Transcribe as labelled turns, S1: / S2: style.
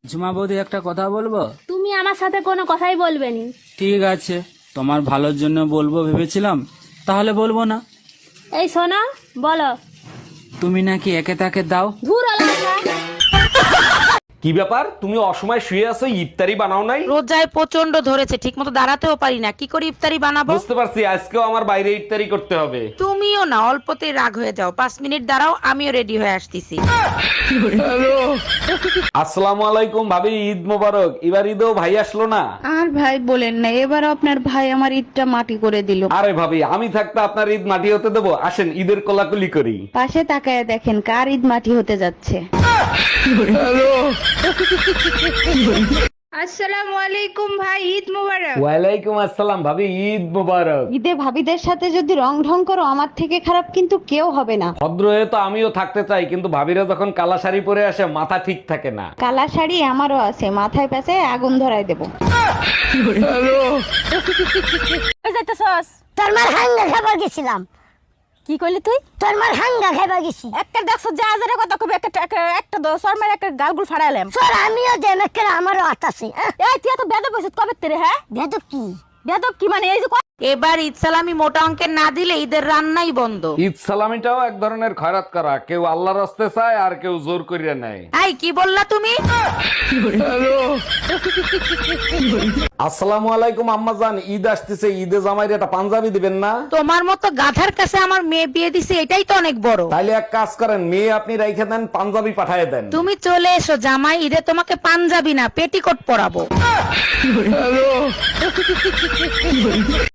S1: ঝুমা বৌদি একটা কথা বলবো?
S2: তুমি আমার সাথে কোনো কথাই বলবে নি।
S1: ঠিক আছে, তোমার ভালোর জন্য বলবো ভেবেছিলাম, তাহলে বলবো না।
S2: এই শোনো, বলো।
S1: তুমি নাকি একে তাকে দাও।
S2: ধুর আলাদা।
S3: কি ব্যাপার, তুমি অসময় শুয়ে আছো, ইফতারি বানাও নাই?
S4: রোজায় প্রচন্ড ধরেছে, ঠিক মতো দাঁড়াতেও পারি না, কি করে ইফতারি বানাবো?
S3: বুঝতে পারছি, আজকেও আমার বাইরে ইফতারি করতে হবে।
S4: তুমিও না অল্পতেই রাগ হয়ে যাও, 5 মিনিট দাঁড়াও, আমিও রেডি হয়ে আসতেছি।
S3: আসসালামু আলাইকুম ভাবি, ঈদ মোবারক। এবার ঈদেও ভাই আসলো না।
S5: আর ভাই বলেন না, এবার আপনার ভাই আমার ঈদটা মাটি করে দিল।
S3: আরে ভাবি, আমি থাকতে আপনার ঈদ মাটি হতে দেবো? আসেন ঈদের কোলাকুলি করি।
S5: পাশে তাকায় দেখেন কার ঈদ মাটি হতে যাচ্ছে। আসসালামু আলাইকুম ভাই, ঈদ মোবারক।
S3: ওয়ালাইকুম আসসালাম ভাবি, ঈদ মোবারক।
S5: ঈদে ভাবিদের সাথে যদি রং ঢং করো, আমার থেকে খারাপ কিন্তু কেউ হবে না।
S3: ভদ্র হয়ে তো আমিও থাকতে চাই, কিন্তু ভাবিরা যখন কালা শাড়ি পরে আসে মাথা ঠিক থাকে না।
S5: কালা শাড়ি আমারও আছে, মাথায় পেঁচে আগুন ধরাই দেবো।
S6: তোর মার হাঙ্গা খাবার গেছিলাম।
S2: কি করলি তুই?
S6: তোর মার হাঙ্গা খাবার গেছি।
S2: একটা দেখছো যা হাজারের কথা কবি, একটা দশর মেরে একটা গালগুল ফাড়াইলাম।
S6: তোর আমিও দেমেকের আমারও আতাছে।
S2: এই তুই এত বেদব হইছিস কবে তেরে? হ্যাঁ,
S6: বেদব কি?
S2: বেদব কি মানে? এই যে
S4: এবার ঈদ সালামি মোটা অঙ্কের না দিলে ঈদের রান্নাই বন্ধ।
S3: ঈদ সালামিটাও এক ধরনের খয়রাত করা, কেউ আল্লাহর রাস্তে চায় আর কেউ জোর করিয়া নেয়।
S4: এই কি বললা তুমি?
S3: আসসালামু আলাইকুম আম্মাজান, ঈদ আসতেছে, ঈদে জামাইরে একটা পাঞ্জাবি দিবেন না?
S4: তোমার মতো গাধার কাছে আমার মেয়ে বিয়ে দিছে, এটাই তো অনেক বড়।
S3: তাইলে এক কাজ করেন, মেয়ে আপনি রাইখে দেন, পাঞ্জাবি পাঠায় দেন।
S4: তুমি চলে এসো জামাই, ঈদে তোমাকে পাঞ্জাবি না পেটিকোট পরাবো।